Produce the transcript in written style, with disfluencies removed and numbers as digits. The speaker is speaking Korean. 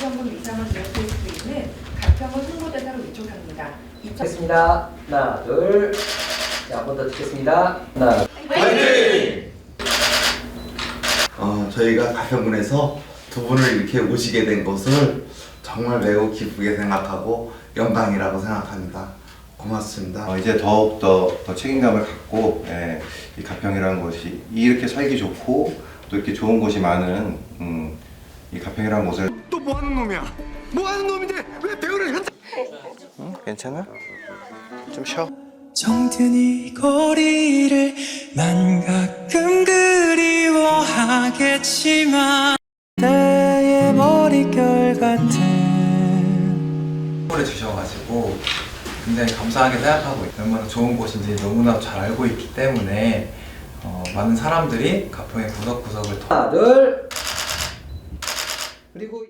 현금 이상을 지원될 수 있는 가평을 홍보대사로 위촉합니다. 됐습니다. 하나, 둘. 자, 한 번 더 찍겠습니다. 하나. 화이팅! 저희가 가평군에서 두 분을 이렇게 모시게 된 것을 정말 매우 기쁘게 생각하고 영광이라고 생각합니다. 고맙습니다. 이제 더욱더 책임감을 갖고 이 가평이라는 곳이 이렇게 살기 좋고 또 이렇게 좋은 곳이 많은 이 가평이라는 곳을 또 뭐하는 놈이야? 뭐하는 놈인데 왜 배우를 현장? 괜찮아? 좀 쉬어. 정든 이 거리를 난 가끔 그리워하겠지만 나의 머릿결 같은 선물해 주셔가지고 굉장히 감사하게 생각하고 있어요. 얼마나 좋은 곳인지 너무나 잘 알고 있기 때문에 많은 사람들이 가평의 구석구석을 하나, 둘. 그리고